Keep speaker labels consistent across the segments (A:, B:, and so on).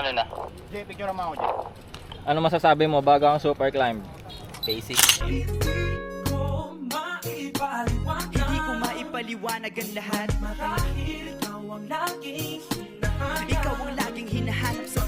A: ano na.
B: Jay, picture naman ako, Jay.
C: Ano masasabi mo bago ang super climb?
A: Basic.
D: Hindi ko maipaliwanag ang lahat. Marahil ikaw ang laging hinahanap. Ikaw ang laging hinahanap sa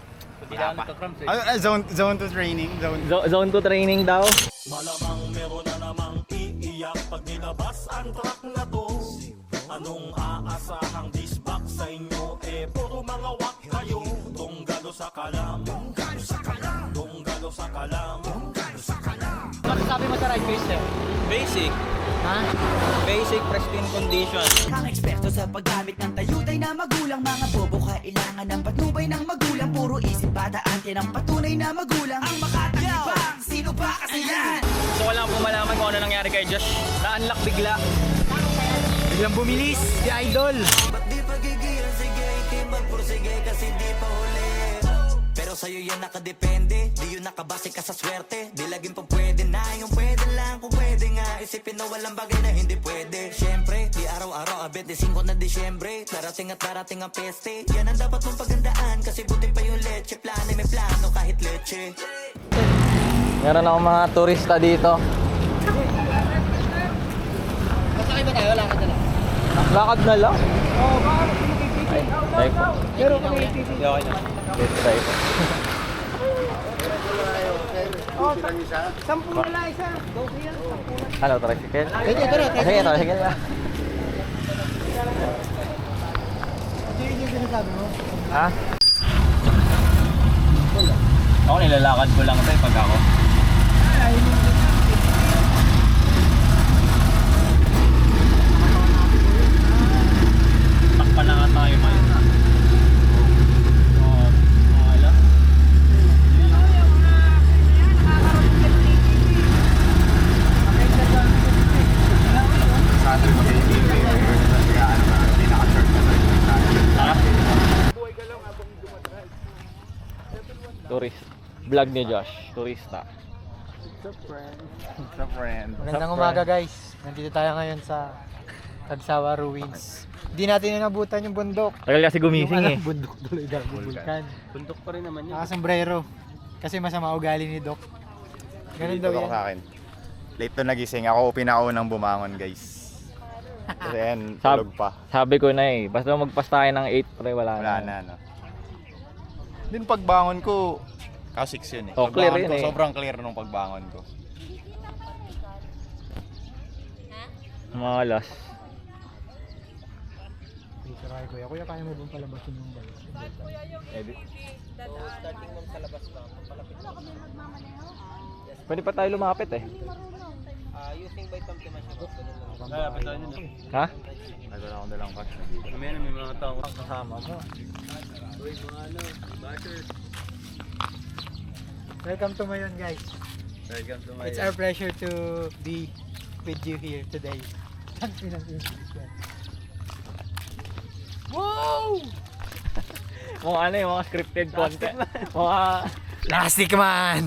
B: Zone 2 training.
C: Zone 2 training daw.
E: Malamang meron na namang iiyak pag nilabas ang track na to. Anong aasahang disbak sa inyo? Puro mga wak kayo. Tunggalo sa kalam. Tunggalo sa kalam. Tunggalo sa kalam. Tunggalo sa kalam.
C: Ano sabi mo sa ride base eh?
A: Basic.
C: Ha?
A: Basic pristine condition.
D: ang eksperto sa paggamit ng tayutay na magulang. Mga bobo kailangan ng patnubay ng magulang. Puro isip bata ante ng patunay na magulang. Ang makatagibang, sino ba kasi yan?
C: Gusto ko lang po malaman kung ano nangyari kay Josh. Na-unlock bigla. Biglang bumilis si Idol.
D: Ba't di pagigil? Sige, itim magpursige kasi di pa huli. Pero sa'yo yan nakadepende. Di yun nakabase ka sa swerte. Di laging pa pwede na. Yung pwede lang kung pwede nga. Isipin na walang bagay na hindi pwede. Siyempre, di araw-araw abet di 5 na Disyembre. Darating at darating ang peste. Yan ang dapat mong pagandaan. Kasi buti pa yung leche. Plano may plano kahit leche.
C: Meron akong mga turista dito.
B: Masakay ba tayo? Lakad na lang.
C: Lakad na lang.
B: Oo, baka pinipipigil.
C: Ay po.
B: Pero kung pinipigil.
C: Okay na. Let's try po.
B: Oh, 10 na lang isa. Go here.
C: Ano, tricycle?
B: Sige, tara.
C: Sige, tricycle na.
B: Sige, yung sinasabi mo.
C: Ha? Ako nilalakad ko lang tayo pag ako. Takpan na nga tayo man. Tourist. Vlog ni Josh. Turista.
B: Sa friend.
F: Magandang umaga guys. Nandito tayo ngayon sa Tagsawa Ruins. Hindi natin inabutan yung bundok.
C: Tagal kasi gumising eh.
F: Bundok tuloy daw, bulkan.
A: Bundok pa rin naman yun.
F: Nakasombrero. Kasi masama ugali ni Doc. Ganun daw yan.
B: Sa akin. Late to nagising. Ako pinaunang bumangon, guys. Kasi yan, tulog pa.
C: Sabi ko na eh. Basta magpas tayo ng 8 pre, wala
B: Wala na, no? Din pagbangon ko, ka-6 yun eh.
C: Oh, clear
B: Pagbangon
C: yun
B: ko,
C: eh.
B: sobrang clear nung pagbangon ko.
C: Mga alas.
F: Dito kay Kuya. Kuya, kaya mo bang palabasin yung balo?
C: Pwede pa tayo lumapit eh.
A: Using by Tom Timasyo.
C: Ha?
B: Nagwala akong dalang cash na dito.
A: May mga tao kasama mo. Uy, mga bashers.
F: Welcome to Mayon guys.
A: Welcome to my...
F: It's our pleasure to be with you here today.
C: Wow! Mga ano yung mga scripted content. Mga
F: Plastic man!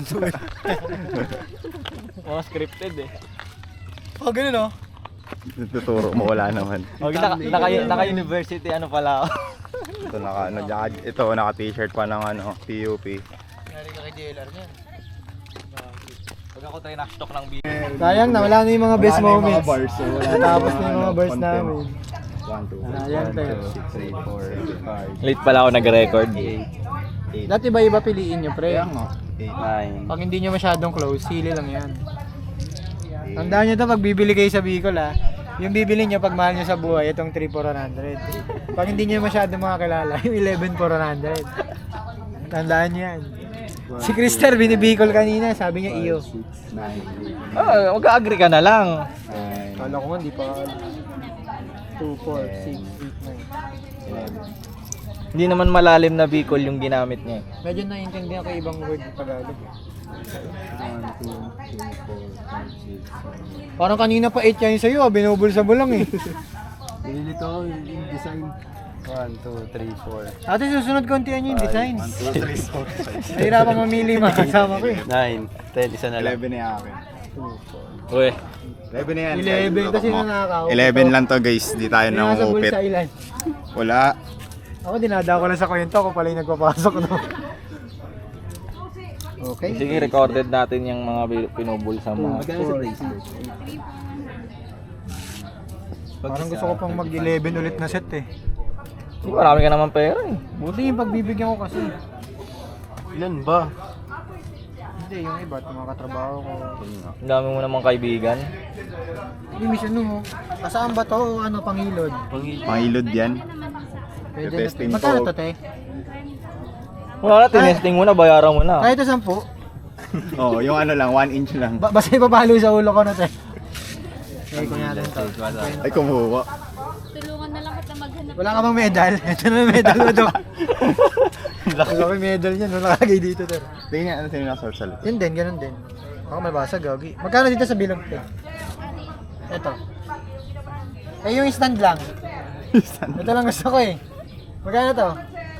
C: mga scripted eh.
F: Oh, ganun oh.
B: Tuturo mo, wala naman.
C: Naka-university ano pala ako.
B: Ito, naka-t-shirt pa ng PUP.
F: Nari ka kay DLR niyan.
C: Pag ako tayo na-stock ng video.
F: Sayang na, wala na yung mga best moments.
B: bars.
F: Natapos na yung mga bars namin.
B: 1, 2, 3, 4, 5, 6, 7, 8, 9,
C: Late pala ako nag-record.
F: Dati iba-iba piliin nyo, pre.
B: 8,
F: Pag hindi nyo masyadong close, sili lang yan. Tandaan nyo to, pag bibili kayo sa Bicol ha, yung bibili nyo pag mahal nyo sa buhay, itong 3,400. Pag hindi nyo masyadong makakilala, yung 11,400. Tandaan nyo yan. Si Krister, binibicol kanina, sabi niya iyo.
B: 9,
C: Mag-agree ka na lang.
B: 10,
F: Kala ko nga, di pa 2, 4, 6, 8, 9.
B: 11.
C: Hindi naman malalim na Bicol yung ginamit niya.
F: Medyo naiintindihan ko ibang word ng Tagalog.
B: 1, 2, 3, 4, 5, 6, 7.
F: Parang kanina pa 8 yan sa'yo, binubulsa mo lang eh.
B: Pinili ko yung design. 1, 2, 3, 4.
F: Ate, susunod kontihan nyo yung design.
B: 1, 2, 3, 4, 5, 6.
F: Mahirapan mamili mga kasama ko eh.
A: 9, 10, isa na lang.
B: 11 na yung akin.
C: Uy,
B: 11 na yan.
F: 11 kasi nanakaw.
B: 11 lang to guys, di tayo
F: Yung nasa
B: nangungupit.
F: bulsa ilan?
B: Wala.
F: Ako dinadako lang sa kwento, ako pala yung nagpapasok, no? Okay.
C: Sige, recorded natin yung mga pinubul sa mga...
F: Parang gusto ko pang mag-11 ulit na set eh.
C: Sige, marami ka naman pera eh.
F: Buti yung pagbibigyan ko kasi.
A: Ilan ba?
F: Hindi, yung iba, yung mga katrabaho ko.
C: Ang dami mo namang kaibigan.
F: Hindi, mission mo. Kasaan ba to o ano, pangilod?
B: Pangilod yan.
F: Pwede
B: Testing
F: na. Magkano
B: ko.
F: to, te?
C: Wala na, tinesting mo na, bayaran mo na.
F: Kahit ito 10.
B: Oo, yung ano lang, 1 inch lang.
F: Basta ipapalo sa ulo ko na, te. Okay, kung natin to.
B: Ay, kumuha.
G: Tulungan na lang kita maghanap.
F: Wala ka bang medal? Ito na yung medal mo, Dok. Laki medal yan, no? Nakagay dito, te.
B: Tingnan niya, ano sino nasa sa
F: Yun din, ganun din. Ako may basag, gagi. Magkano dito sa bilog, te? Ito. Eh, yung stand lang. Ito lang gusto ko eh. Magkano to?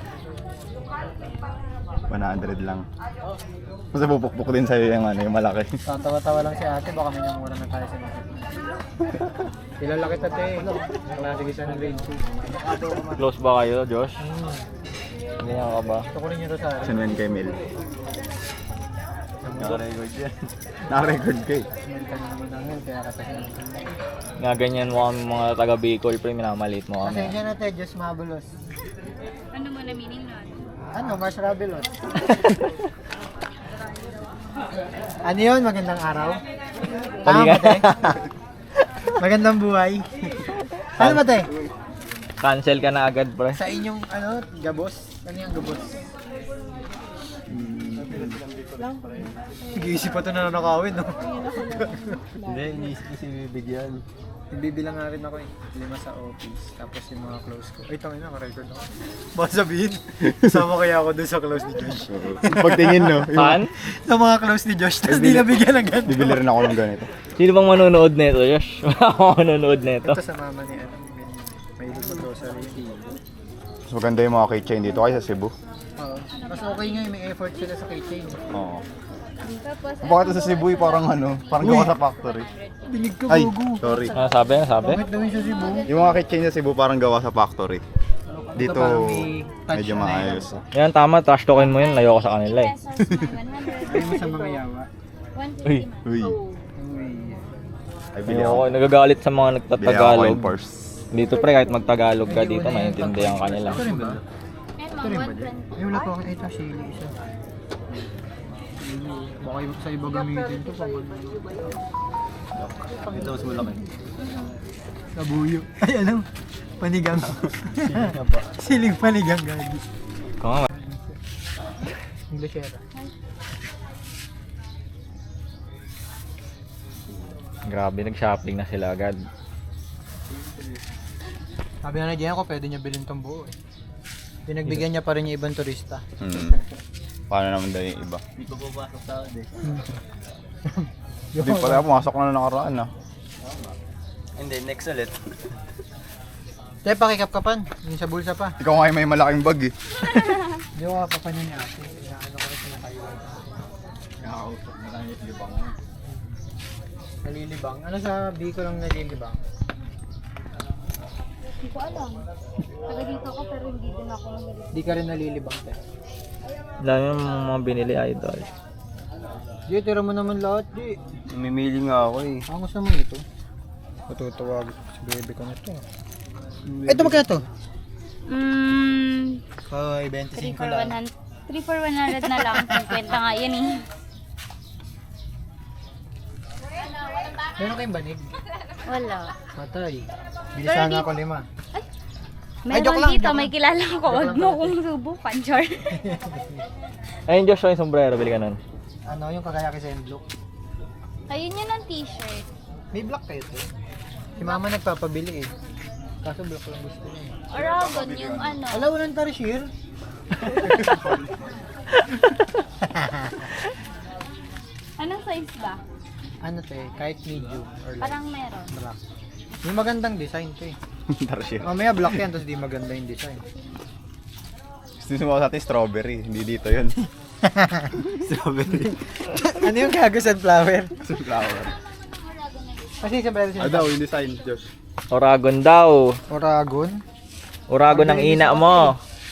B: 100 lang. Kasi pupukpuk din sa'yo yung ano, yung malaki.
F: Tatawa-tawa lang si ate, baka may namura na tayo sa market. Kilala kita, te. Klase kita ng grade 2.
C: Close ba kayo, Josh? Hindi ka ba?
F: Gusto ko rin yung Rosario.
B: Sinuwan kay Mel. Naka-record yan. Naka-record kay.
F: Sinuntan naman namin, kaya katasin.
C: Nga ganyan mo kami mga taga Bicol, pre, minamalit mo kami.
F: Pasensya na, te. Diyos mabulos.
G: Ano mo na meaning nun?
F: Ano, Mars Rabelos. Ano yun? Magandang araw? Tama ba, te? Magandang buhay. Ano ba, te?
C: Cancel ka na agad, pre.
F: Sa inyong, ano, gabos? Ano yung gabos? Nag-iisip pa ito na nakawin, no?
A: Hindi, iniisip ko si bibigyan.
F: Nagbibilang nga rin ako eh. 5 sa office. Tapos yung mga close ko. Ay, tangin na, naka-record ako. Baka sabihin, sama kaya ako dun sa close ni Josh.
B: Pagtingin, no? Yung-
C: Saan?
F: Sa mga close ni Josh, tapos di nabigyan ng ganito.
B: Bibili rin ako ng ganito.
C: Sino bang manonood nito, Josh? Wala akong manonood nito.
F: Ito sa mama ni ano, mahilig mag-grocery.
B: Mas maganda yung mga keychain dito kaysa Cebu.
F: Oo. Mas okay nga, may effort sila sa keychain.
B: Oo.
G: Tapos,
B: Bakit sa Cebu parang ano, parang gawa sa factory.
F: Binig ka,
B: Ay,
F: gugu.
B: sorry.
C: Ano sabi? Ano sabi?
F: Bakit daw yung sa Cebu?
B: Yung mga keychain sa Cebu parang gawa sa factory. Dito,
F: parang may touch
B: medyo
F: na
B: maayos.
C: Yan, tama. Trash talkin mo yun. Layo ko sa kanila eh.
G: pesos na 100.
F: Ayaw mo sa mga yawa.
G: 150
C: Uy.
G: na.
B: Uy.
G: Oh.
F: Uy.
B: Ay, bili
C: Ayoko,
B: ako.
C: nagagalit sa mga
B: Bili ako
C: nagtatagalog.
B: in purse.
C: Dito pre, kahit magtagalog ka dito, maintindihan ka nila.
F: Ito rin ba?
G: Ayun,
F: Ito
G: mga
F: rin ba din?
G: 120.
F: Ay, wala pa ako. Ito, sili isa. Baka yung sa iba gamitin to pag
A: Ito mas malaki.
F: nabuyo. Ay, ano? Panigang. Siling panigang, gagi.
C: Kung nga,
F: Inglesera.
C: grabe, nag-shopping na sila agad.
F: Sabi na na ko, pwede niya bilhin tong buo eh. Pinagbigyan niya pa rin yung ibang turista.
B: Paano naman daw yung iba?
A: Hindi pa papasok sa akin eh.
B: Hindi pala pumasok na nakaraan ah.
A: Hindi, next ulit.
F: Te, pakikap-kapan. Yung sa bulsa pa.
B: Ikaw nga yung may malaking bag eh.
F: Hindi ko kapapan yun niya. Inaano ko rin sila kayo.
B: Nakakausap na lang yung libang.
F: Nalilibang. Ano sa Bicol ang nalilibang?
G: Hindi ko alam. Taga dito ako pero hindi din ako magaling.
F: Di ka rin nalilibang, te.
C: Dami yung mga binili, idol.
F: Di, tira mo naman lahat, di.
A: Namimili nga ako eh.
F: Ang gusto mo ito? Matutawag si baby ko na ito. Ito magkano to? Hoy,
G: 3
F: 25
G: for
F: lang.
G: 100. 3 for 100 na lang. 50 nga yan eh.
F: Meron kayong banig?
G: Wala.
F: Patay. Bilisan
G: di-
F: ako 5.
G: Meron
F: joke lang,
G: dito,
F: joke
G: may
F: lang.
G: kilala ko. Huwag mo kong subukan, Char.
C: Ayun, Josh, yung sombrero, bili ka nun.
F: Ano yung kakayaki sa envelope?
G: Ayun yun ang t-shirt.
F: May black kayo to. Si mama nagpapabili eh. Kaso black lang gusto niya.
G: Oragon yung ano.
F: Alam, walang tarsier.
G: Anong size ba?
F: Ano te, kahit medium or light.
G: Parang meron.
F: Black. May magandang design to eh.
B: Tarsier.
F: Mamaya black yan, tapos di maganda yung design.
B: Gusto mo sa atin strawberry, hindi dito yun.
A: Strawberry.
F: Ano yung gago sunflower?
B: Sunflower.
F: Kasi sombrero
B: Ah daw, yung design, Josh.
C: Oragon daw.
F: Oragon?
C: Oragon ng ina mo.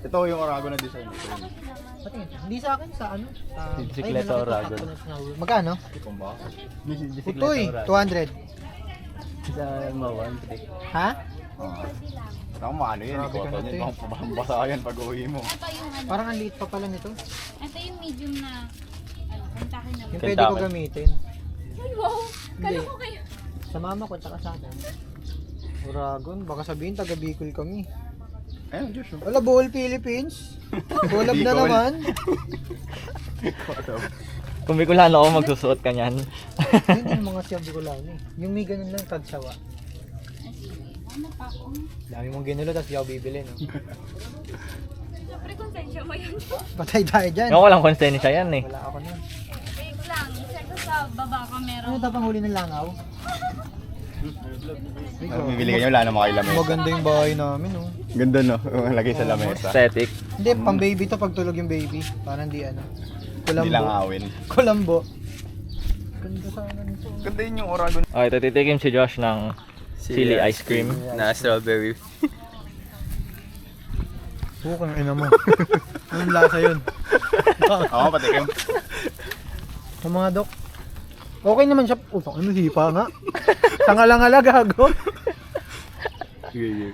B: Ito yung Oragon na design.
F: Patingin. Hindi sa akin, sa ano? Sa
C: Bisikleta
F: ay,
C: Oragon.
F: Magkano?
B: Itong ba?
F: Utoy, 200.
C: Sa Mawan.
F: Ha?
B: Tama ano yan,
F: Grabe ka
B: ikoto
F: na,
B: niyan. Basa yan pag uwi mo.
G: Ito yung ano.
F: Parang ang liit pa pala nito.
G: Ito yung medium na ano, kontakin na.
F: Yung pwede ko gamitin.
G: Ay, wow! Kala
F: Hindi.
G: ko kayo.
F: Sa mama ko, tsaka sa akin. Oragon, baka sabihin taga Bicol kami.
B: Ayun, Diyos.
F: Wala, Bohol, Philippines. Collab na
B: Bicol.
F: naman.
C: Kung Bicolano ako, magsusuot ka niyan.
F: Yun yung mga siya Bicolano eh. Yung may ganun lang, tagsawa.
G: Ah, sige. Ano pa ako?
F: Dami mong ginulo, tapos di ako bibili, no?
G: Siyempre, konsensya mo yun.
F: Patay tayo dyan.
C: Yung walang konsensya yan eh.
F: Wala ako na.
G: Wait lang. Check ko sa baba ka meron.
F: Ano ito pang huli ng langaw?
B: Bibili ka niyo, wala na makailamesa.
F: Maganda yung bahay namin, oh.
B: Ganda no, lagay sa lamesa.
C: Aesthetic.
F: Hindi, pang baby to pag tulog yung baby. Parang di ano.
B: Hindi lang
F: Kulambo.
B: awin.
F: Kulambo. Ganda sana nito.
B: Ganda yun yung Oragon.
C: Okay, ito titikim si Josh ng chili ice cream.
A: Na strawberry.
F: Bukang ina mo. Anong lasa yun?
B: Oo, patikim.
F: Sa mga dok. Okay naman siya. Utang ano, hipa nga. Tanga-langala, gago.
B: Sige, sige.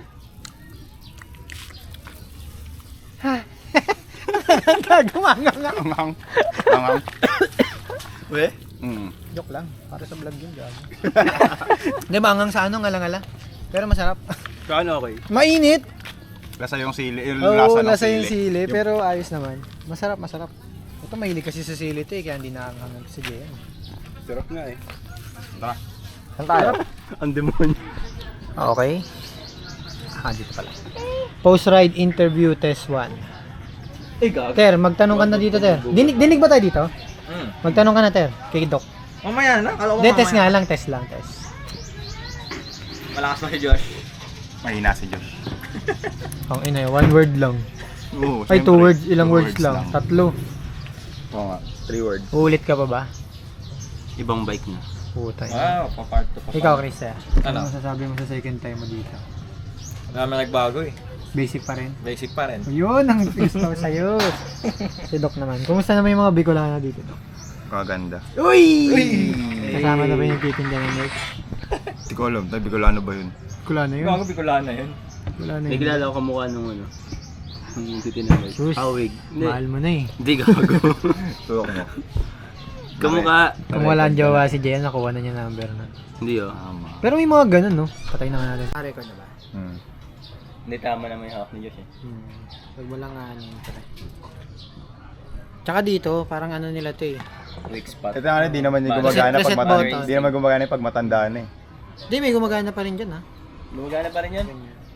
F: Gago, mangang nga.
B: Angang. Angang.
A: We?
F: Joke lang. Para sa vlog yun, gago. Hindi, mangang sa ano, ngala-ngala. Pero masarap.
A: Kaano okay?
F: Mainit.
B: Lasa yung sili. Yung
F: Oo,
B: lasa ng
F: lasa
B: sili.
F: yung sili, pero ayos naman. Masarap, masarap. Ito mahilig kasi sa sili ito eh, kaya hindi nakakahangad si Jen.
A: Sarap nga eh.
B: Tara.
C: Saan tayo?
A: Ang demonyo.
F: Okay. Dito pala. Post-ride interview test 1. Ter, magtanong ka na dito, Ter. Dinig ba tayo dito? Magtanong ka na, Ter. Kay Doc.
A: Mamaya na. Kala ko
F: Hindi, test nga lang, test lang, test.
A: Malakas na si Josh.
B: Mahina si Josh.
F: Ang ina, one word lang.
B: Oo,
F: Ay,
B: syempre.
F: 2 words, ilang
B: Two
F: words lang. Tatlo.
B: Oo nga.
A: 3 words.
F: Uulit ka pa ba?
A: Ibang bike na.
F: Puta.
A: Wow, pa-part to pa.
F: Ikaw, Chris,
A: Ano?
F: masasabi mo sa second time mo dito?
A: Wala naman nagbago eh.
F: Basic pa rin.
A: Basic pa rin.
F: Yun ang gusto ko sa'yo. Si Doc naman. Kumusta naman yung mga Bicolano dito, Doc?
B: Kaganda.
F: Uy! Kasama na ba yung titinda ng merch?
B: Hindi ko alam. Tayo Bicolano ba yun?
F: Bicolano yun.
A: Gago Bicolana yun.
F: Bicolano
A: May
F: yun.
A: kilala ko kamukha nung ano. Yung titinagay.
F: Sus,
A: Awig.
F: mahal mo na eh.
A: Hindi gago.
B: Tuwak mo.
A: Kamukha.
F: Kung wala ang jowa si Jen, nakuha na niya number na.
A: Hindi oh.
B: Tama.
F: Pero may mga ganun, no? Patay na nga natin. Record na ba?
A: Hindi tama naman yung hawak ni Josh eh.
F: Huwag mo lang ano yung Tsaka dito, parang ano nila to eh.
A: Weak spot.
B: Ito nga, di naman yung
A: Reset-
B: gumagana
F: reset
B: pag matanda.
F: button.
B: Di naman gumagana pag matandaan eh.
F: Hindi, may gumagana pa rin dyan, ha?
A: Gumagana pa rin yan?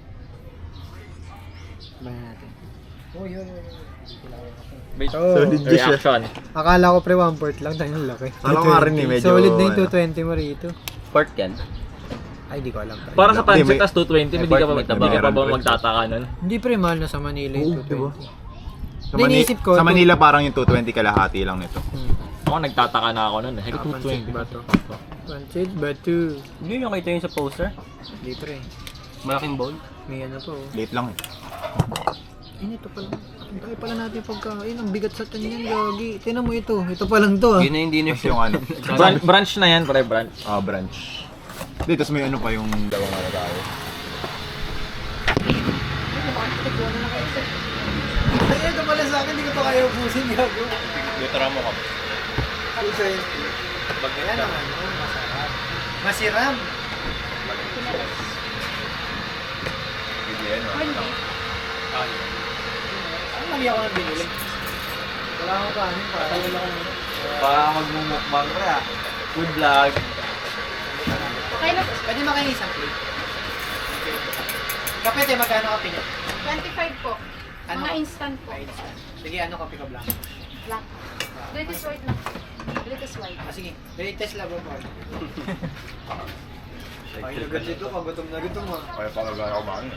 F: Bayan natin. Oh, yun.
A: Based
F: Oh,
A: reaction.
F: Akala ko pre 1/4 lang, tayo ng laki.
B: Akala ko nga rin eh, medyo,
F: Solid na yung
B: ano.
F: 220 mo rito.
A: Port yan.
F: Ay, di ko alam pre.
C: Para sa
B: Hindi,
C: pancit,
B: may-
C: tas 220, hindi ka pa magtaba.
B: may
C: Ka pa ba
B: different
C: magtataka nun?
F: Hindi pre, mahal na sa Manila yung 220.
B: Sa,
F: Hindi, iniisip ko,
B: sa Manila parang yung 220 kalahati lang nito.
C: Ako nagtataka na ako nun eh. Heko
F: Pancit
C: 220
F: ba to? Pancit ba to?
A: Hindi yung kita yun sa poster.
F: Hindi pre.
A: Malaking bowl.
F: May ano po.
B: Late lang eh.
F: Ito pala. Ang dami pala natin pagkain. Ang bigat sa tanyan, gagi. Tingnan mo ito. Ito pa lang to, ah.
A: Yun na yung dinner
B: Tapos yung ano,
C: Branch na yan, pre, branch.
B: branch. Hindi, tapos may ano pa yung dalawang ano tayo.
F: Ay, ito pala sa akin. Hindi ko pa kaya ubusin, gago.
A: Dito mo ka.
F: Kaya naman, oh, masarap. Masiram. Ano mali ako na binili? Wala akong kanin. Patawal ako nito.
A: Para magmumukbang pre ah. Food vlog.
G: Okay na.
F: Pwede makain isang plate. Kape, te, magkano kape niyo?
G: 25 po.
F: Ano?
G: Mga instant po.
F: Sige, ano kape ka blanco?
G: Black. Latest white lang. Latest white.
F: Sige, latest labo po. Ay, agad dito ka, gutom na gutom ah.
B: Kaya pa kagana ko ba?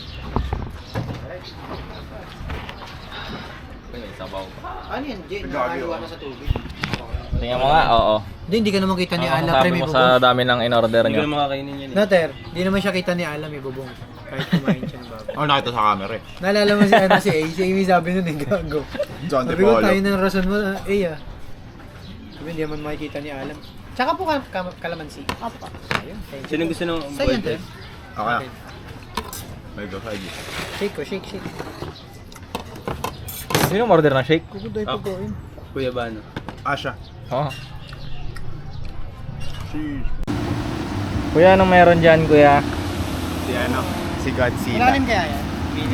A: May sabaw.
F: Ano yan, Jane?
B: Gagi,
F: Nakakaliwa
B: oh.
F: na sa tubig.
C: Tingnan mo nga, oo.
F: Hindi ka naman kita ni
C: Ano
F: Ala,
C: masasabi
F: pre, may
C: mo
F: bubong.
C: sa dami ng in-order
A: Hindi ko
C: nyo?
A: na makakainin yan eh.
F: No, Ter, hindi naman siya kita ni Ala, may bubong. Kahit kumain siya ng baboy.
B: Oh, nakita sa camera eh.
F: Naalala mo si ano si A? Si Amy sabi nun eh, gago.
B: John
F: Sabi ko,
B: Tripolo.
F: tayo ng rason mo, A ah. Sabi, hindi naman makikita ni Alam. Tsaka po kalamansi.
G: Opo.
F: Ayun, thank you.
C: Sino gusto nung
F: Sa'yo yan, Ter.
B: Okay na. May go side.
F: Shake ko, shake.
C: Sino order ng shake?
F: Kukuday po ko yun.
C: Kuya ba ano?
B: Asha.
C: Oo. Kuya, anong meron dyan, kuya?
B: Si ano? Si Godzilla.
F: Malalim kaya yan?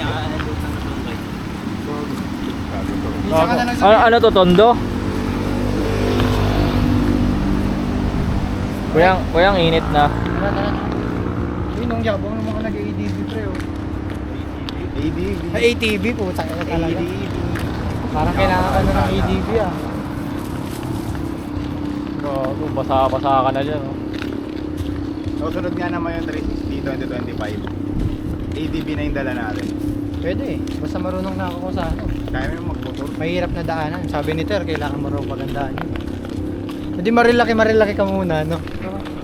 F: Isa ka na lang sa
C: Ano to, tondo? Kuya, ang init na.
F: Tara. Uy, nung yabang naman ka nag-ADB pre oh.
B: ADB.
F: ATV po, taka na talaga. Parang kailangan ka na ng ADB ah.
C: Gago, basa-basa ka na dyan. Oh.
B: Susunod nga naman yung 360 2025. ADB na yung dala natin.
F: Pwede eh, basta marunong na ako sa ano.
B: Kaya mo yung magmotor.
F: Mahirap na daanan. Sabi ni Ter, kailangan marunong magandaan yun. Hindi marilaki ka muna, no?